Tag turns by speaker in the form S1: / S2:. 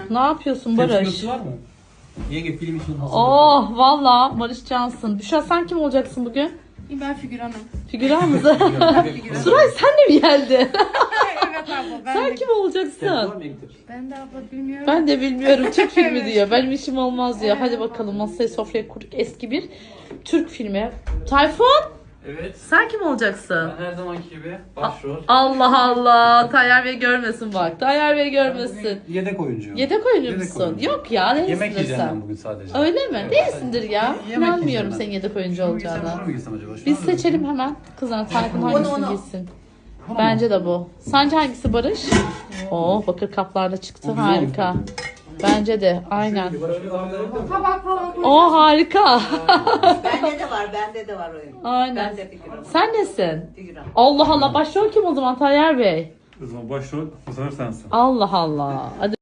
S1: Ne yapıyorsun Barış?
S2: Tepsi var mı? Yenge film için hazır.
S1: Oh valla Barış Cansın. Büşra sen kim olacaksın bugün?
S3: Ben figüranım.
S1: Figüran mı? Suray sen de mi geldin?
S3: Evet abla ben
S1: Sen
S3: de.
S1: kim olacaksın?
S3: Ben de abla bilmiyorum.
S1: Ben de bilmiyorum. Türk filmi
S3: Evet.
S1: diyor. Benim işim olmaz diyor. Hadi bakalım masayı sofraya kurduk. Eski bir Türk filmi. Tayfun
S2: Evet.
S1: sen kim olacaksın?
S2: Ben her zamanki gibi başrol.
S1: Allah Allah. Tayyar Bey görmesin bak. Tayyar Bey görmesin.
S2: Yedek oyuncuyum.
S1: Yedek oyuncu
S2: Yedek
S1: musun?
S2: oyuncu.
S1: Yok ya değilsin
S2: Yemek yiyeceğim ben
S1: sen.
S2: bugün sadece.
S1: Öyle mi? Değilsindir ya.
S2: Yemek
S1: İnanmıyorum
S2: yiyeceğim ben.
S1: senin yedek oyuncu
S2: Şunu mu giysem,
S1: olacağına.
S2: şunu mu giysem acaba? Şunu
S1: Biz
S2: mu
S1: seçelim hemen. Kızlar Tayfun hangisini
S3: onu.
S1: giysin?
S2: Bunu mu?
S1: Bence de bu. Sence hangisi Barış? Oo bakır kaplarda çıktı.
S2: O güzel
S1: Harika.
S2: olmuş.
S1: Bence de aynen.
S3: Tabak falan koy.
S1: O harika.
S4: Bende de var oyun.
S1: Aynen.
S4: Ben de figüran.
S1: Sen nesin?
S4: Figüran.
S1: Allah Allah başrol kim o zaman Tayyar Bey?
S5: O zaman başrol bu sefer sensin.
S1: Allah Allah. Hadi